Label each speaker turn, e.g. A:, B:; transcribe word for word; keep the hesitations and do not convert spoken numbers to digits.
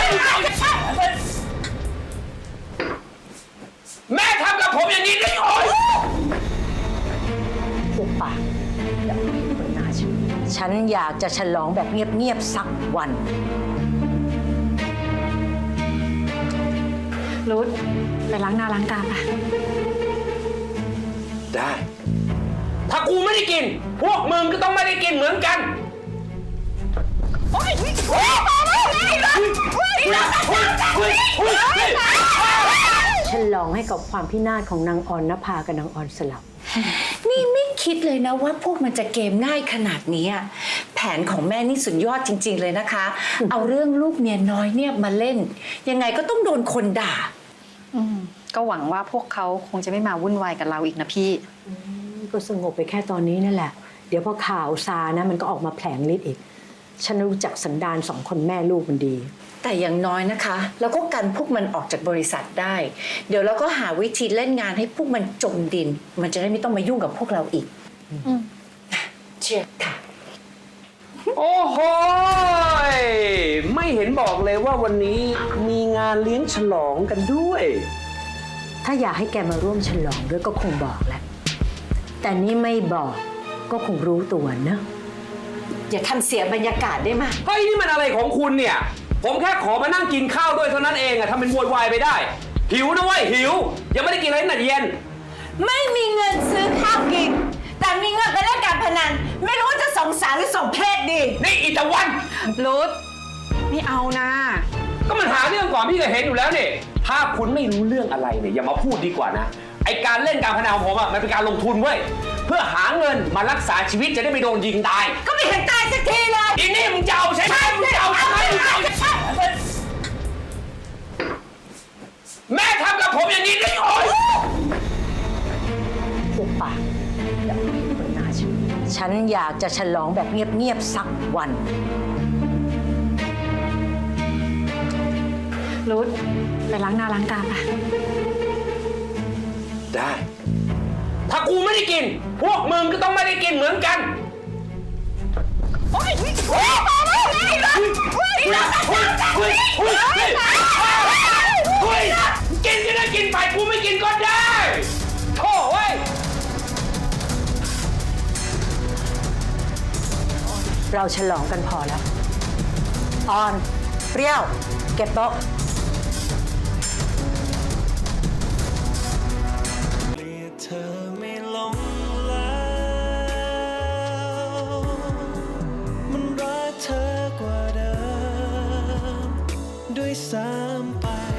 A: แม่ทำกับผมอย่างนี้ได้โอ้ย
B: พวกปากอย่าไปบนหน้าฉันฉันอยากจะฉลองแบบเงียบๆสักวัน
C: รุดไปล้างหน้าล้างตาปะ
A: ได้ ถ้ากูไม่ได้กิน พวกมึงก็ต้องไม่ได้กินเหมือนกัน
B: ฉลองให้กับความพินาศของนางออนนภากับนางออนสลับ
D: นี่ไม่คิดเลยนะว่าพวกมันจะเกมง่ายขนาดนี้แผนของแม่นี่สุดยอดจริงๆเลยนะคะ เอาเรื่องลูกเมียน้อยเนี่ยมาเล่น ยังไงก็ต้องโดนคนด่า
C: อืมก็หวังว่าพวกเขาคงจะไม่มาวุ่นวายกับเราอีกนะพี่
B: ก็สงบไปแค่ตอนนี้นั่นแหละ เดี๋ยวพอข่าวซานะมันก็ออกมาแผลงฤทธิ์อีก ฉันรู้จักสันดานสองคนแม่ลูกมันดี
D: แต่อย่างน้อยนะคะเราก็กันพวกมันออกจากบริษัทได้ เดี๋ยวเราก็หาวิธีเล่นงานให้พวกมันจมดิน มันจะได้ไม่ต้องมายุ่งกับพวกเราอีกเชียร์ค่ะ
A: โอ้โหยไม่เห็นบอกเลยว่าวันนี้มีงานเลี้ยงฉลองกันด้วย
B: ถ้าอยากให้แกมาร่วมฉลองด้วยก็คงบอกแหละ แต่นี่ไม่บอกก็คงรู้ตัวนะ
D: อย่าทำเสียบรรยากาศได้ไหม
A: เฮ้ยนี่มันอะไรของคุณเนี่ย ผมแค่ขอมานั่งกินข้าวด้วยเท่านั้นเองอะทำเป็นโวยวายไปได้ หิวนะเว้ยหิว ยังไม่ได้กินอะไรตั้งแต่เย็น
D: ไม่มีเงินซื้อข้าวกิน แต่มีเงินไปเล่นการพนัน ไม่รู้ว่าจะสงสารหรือสมเพศดี
A: นี่อีตะวัน
C: รุดไม่เอานะ
A: ก็มันหาเรื่องก่อนพี่ก็เห็นอยู่แล้วนี่ ถ้าคุณไม่รู้เรื่องอะไรเนี่ยอย่ามาพูดดีกว่านะ ไอการเล่นการพนันของผมอะมันเป็นการลงทุนเว้ย เพื่อหาเงินมารักษาชีวิตจะได้ไม่โดนยิงตาย
D: ก็ไม่เห็นตายสักทีเลย
A: อีนี่มึงจะเอาใช่ไหมมึงจะเอาใช่ไหมมึงจะเอาใช่ไหมแม่ทำกับผมอย่างนี้ได้โอ้ย
B: พวกปากอย่าไปบนหน้าฉันฉันอยากจะฉลองแบบเงียบๆสักวัน
C: รุดไปล้างหน้าล้างตาปะ
A: ได้ ถ้ากูไม่ได้กิน พวกมึงก็ต้องไม่ได้กินเหมือนกันโอ้ยโอ้ยโอ้ยโอ้ยโอ้ยโอ้ยกินก็ได้กินไปกูไม่กินก็ได้โถ่เว้ย
B: เราฉลองกันพอแล้ว ออน เปรี้ยว เก็บโต๊ะ
E: เธอไม่ลงแล้วมันรักเธอกว่าเดิมด้วยซ้ำไป